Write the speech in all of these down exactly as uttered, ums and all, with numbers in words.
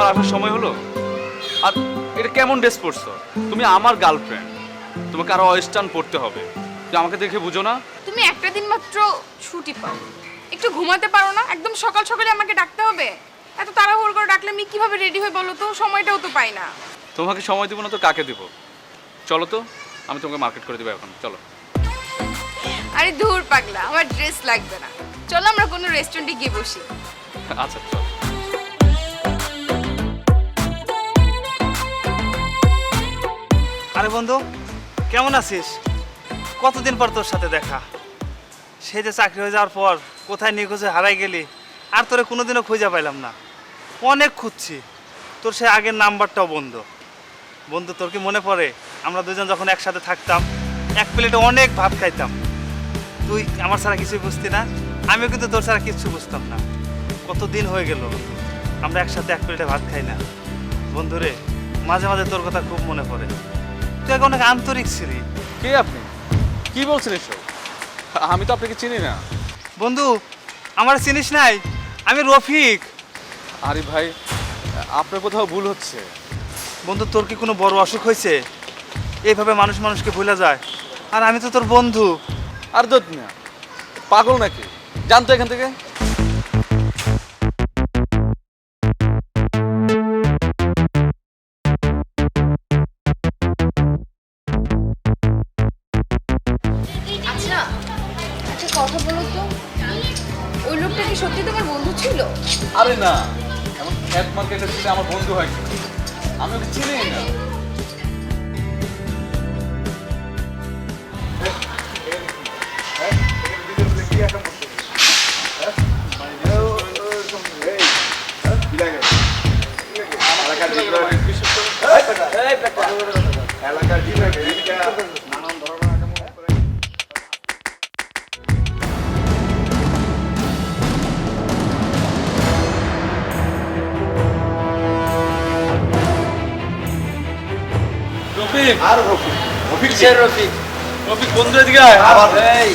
আসার সময় হলো? আর এটা কেমন ড্রেস পরছো? তুমি আমার গার্লফ্রেন্ড, তোমাকে আরো ওয়েস্টার্ন পরতে হবে। তুমি আমাকে দেখে বুঝো না? তুমি একটা দিন মাত্র ছুটি পাও, একটু ঘুমাতে পারো না? একদম সকাল সকালে আমাকে ডাকতে হবে? এত তাড়াহুড়ো করে ডাকলে আমি কিভাবে রেডি হয়ে বলো তো? সময়টাও তো পাই না। তোমাকে সময় দিব না তো কাকে দিব? চলো তো, আমি তোমাকে মার্কেট করে দেবো এখন, চলো। আরে ধুর পাগলা, আমার ড্রেস লাগবে না, চলো আমরা কোনো রেস্টুরেন্টে গিয়ে বসি। আচ্ছা চলো। আরে বন্ধু, কেমন আছিস? কতদিন পর তোর সাথে দেখা। সেই যে চাকরি হয়ে যাওয়ার পর কোথায় নিখোঁজে হারাই গেলি, আর তোরে কোনোদিনও খুঁজে পাইলাম না। অনেক খুঁজছি, তোর সে আগের নাম্বারটাও বন্ধ। বন্ধু, তোর কি মনে পড়ে আমরা দুজন যখন একসাথে থাকতাম, এক প্লেটে অনেক ভাত খাইতাম? তুই আমার ছাড়া কিছুই বুঝতি না, আমিও কিন্তু তোর ছাড়া কিচ্ছু বুঝতাম না। কতদিন হয়ে গেল আমরা একসাথে এক প্লেটে ভাত খাই না। বন্ধুরে, মাঝে মাঝে তোর কথা খুব মনে পড়ে। তুই এখন অনেক আন্তরিক ছিলি। কে আপনি? কি বলছেন এসব? আমি তো আপনাকে চিনি না। বন্ধু, আমার চিনিস নাই? আমি রফিক। আরে ভাই, আপনার কোথাও ভুল হচ্ছে। বন্ধু, তোর কি কোনো বড় অসুখ হয়েছে? এইভাবে মানুষ মানুষকে ভুলে যায়। আর আমি তো তোর বন্ধু। আর দোত না, পাগল নাকি? জানতো এখান থেকে। আচ্ছা, একটা কথা বলো তো, ওই লোকটা কি সত্যি তোমার বন্ধু ছিল? আরে না, এমন খ্যাত মার্কেটের ছিল আমার বন্ধু হয় কি? আমি ওকে চিনি না। রফিক, আর রফিক রফিক কিসের রফিক? রফিক বন্ধু, এদিকে আয়। আবার এই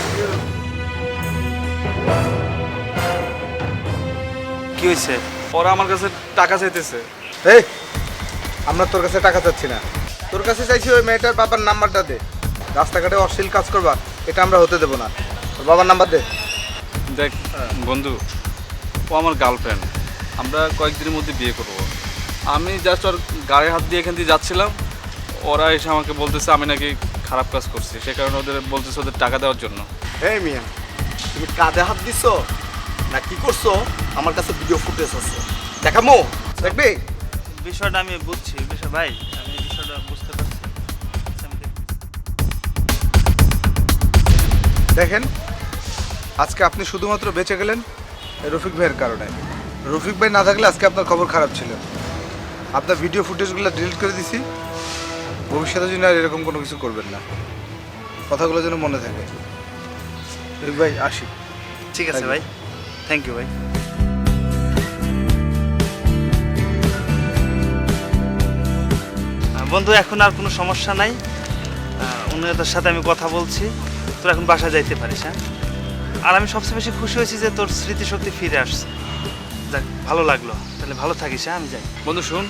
কি হয়েছে? ওরা আমার কাছে টাকা চাইতেছে। এই আমরা তোর কাছে টাকা চাচ্ছি না, তোর কাছে চাইছি ওই মেয়েটার বাবার নাম্বারটা দে। রাস্তাঘাটে অশ্লীল কাজ করবা, এটা আমরা হতে দেবো না। তোর বাবার নাম্বার দে। দেখ বন্ধু, ও আমার গার্লফ্রেন্ড, আমরা কয়েকদিনের মধ্যে বিয়ে করব। আমি জাস্ট ওর গায়ে হাত দিয়ে এখান দিয়ে যাচ্ছিলাম, ওরা এসে আমাকে বলতেছে আমি নাকি খারাপ কাজ করছি, সে কারণে ওদের বলতেছে ওদের টাকা দেওয়ার জন্য। এই মিয়া, তুমি কাঁধে হাত দিছো না কি করছো? আমার কাছে ভিডিও ফুটেজ আছে, দেখামো, দেখবে? বিষয়টা আমি বুঝছি। বিষয় ভাই, আমি বিষয়টা বুঝতে পারছি। আচ্ছা, আমি দেখছি। দেখেন, আজকে আপনি শুধুমাত্র বেঁচে গেলেন এই রফিক ভাইয়ের কারণে। রফিক ভাই না থাকলে আজকে আপনার খবর খারাপ ছিল। আপনার ভিডিও ফুটেজগুলো ডিলিট করে দিছি, ভবিষ্যতে যেন আর এরকম কোনো কিছু করবেন না। কথাগুলো যেন মনে থাকে। রফিক ভাই, আসি। ঠিক আছে ভাই, থ্যাংক ইউ ভাই। আহ, বন্ধু, এখন আর কোনো সমস্যা নাই। উন্নয়তার সাথে আমি কথা বলছি, তোর এখন বাসা যাইতে পারিস। হ্যাঁ, আর আমি সবচেয়ে বেশি খুশি হয়েছি যে তোর স্মৃতিশক্তি ফিরে আসছে। যাক, ভালো লাগলো। তাহলে ভালো থাকিস। হ্যাঁ, আমি যাই। বন্ধু শুন,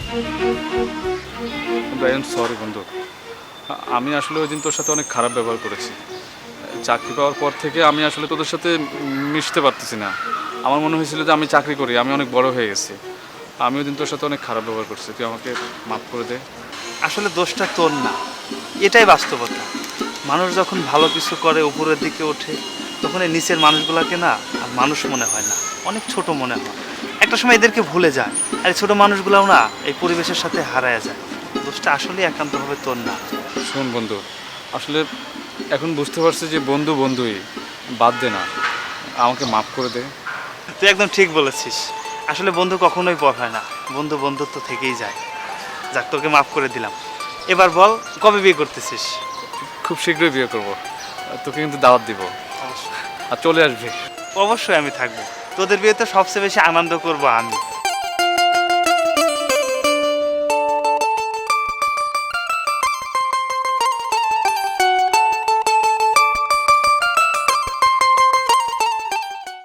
সরি বন্ধু, আমি আসলে ওই দিন তোর সাথে অনেক খারাপ ব্যবহার করেছি। চাকরি পাওয়ার পর থেকে আমি আসলে তোদের সাথে মিশতে পারতেছি না। আমার মনে হয়েছিল যে আমি চাকরি করি, আমি অনেক বড় হয়ে গেছি। আমি ওই দিন তোর সাথে অনেক খারাপ ব্যবহার করছি, তুই আমাকে মাফ করে দে। আসলে দোষটা তোর না, এটাই বাস্তবতা। মানুষ যখন ভালো কিছু করে, উপরের দিকে ওঠে, তখন এই নিচের মানুষগুলোকে না আর মানুষ মনে হয় না, অনেক ছোট মনে হয়। একটা সময় এদেরকে ভুলে যায়, আর এই ছোটো মানুষগুলোও না এই পরিবেশের সাথে হারায় যায়। দোষটা আসলে একান্তভাবে তোর না। শোন বন্ধু, আসলে এখন বুঝতে পারছি যে বন্ধু বন্ধুই, বাদ দে না, আমাকে মাফ করে দে। তুই একদম ঠিক বলেছিস। আসলে বন্ধু কখনোই পর হয় না, বন্ধু বন্ধুত্ব থেকেই যায়। যাক, তোকে মাফ করে দিলাম। এবার বল, কবে বিয়ে করতেছিস? খুব শীঘ্রই বিয়ে করব, তোকে কিন্তু দাওয়াত দিব, আর চলে আসবি। অবশ্যই আমি থাকবো। তোদের বিয়েতে সবচেয়ে বেশি আনন্দ করবো আমি।